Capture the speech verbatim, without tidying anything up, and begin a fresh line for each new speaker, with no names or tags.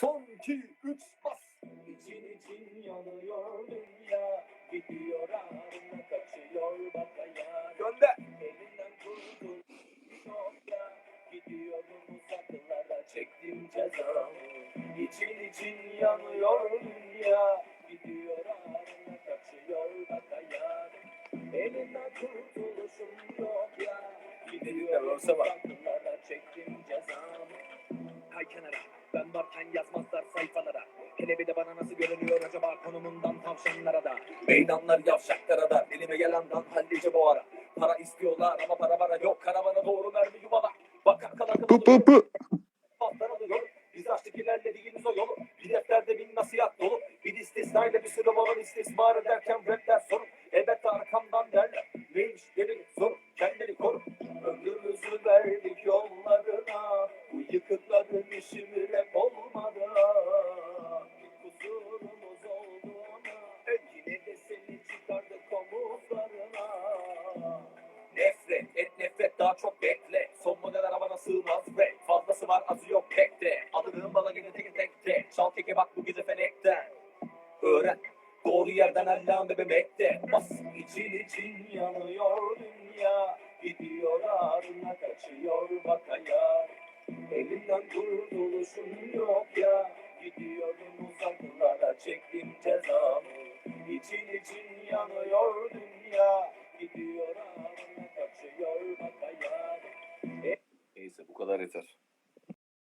Son iki üç bas. İçin için yanıyor dünya. Gidiyor ağrına kaçıyor bakaya. Gönder. Elinden kurtul. Yok ya. Gidiyorum uzaklara çektim cezamı. İçin için yanıyor dünya. Gidiyor ağrına kaçıyor bakaya. Elinden kurtuluşum yok ya. Gidiyorum uzaklara çektim cezamı. Kay kenara. Ben varken yazmazlar sayfalara. Hele bir de bana nasıl görünüyor acaba konumundan tavşanlara da. Meydanlar yavşaklara da. Elime gelendan hallice bu ara. Para istiyorlar ama para bana yok. Karavana doğru mermi yuvala. Bak arkadan
Pı pı pı.
Patlar alıyor. Biz açtık ilerlediğimiz o yolu. Bir defterde bin nasihat dolu. Bir istisnayla bir sürü olan istismar ederken rapler sorun. Elbette arkamdan derler. Neymiş dedim sorun. Kendini koru. Ömrümüzü verdik yollarına. Bu yıkıkların işi mi rap olmadı. Kusurumuz olduğuna. Yine de seni çıkardık omuzlarına. Nefret et nefret daha çok bekle. Son model arabana sığmaz rap. Fazlası var azı yok pek de. Adının bana gene tek tek de. Çal teke bak bu gece fenekten. Öğren doğru yerden Allah'ın bebemekte. Bas için için yanıyor dünya. Gidiyor ağrına kaçıyor bakaya. Elinden kurtuluşum yok ya. Gidiyorum uzaklara çektim cezamı. İçin için yanıyor dünya.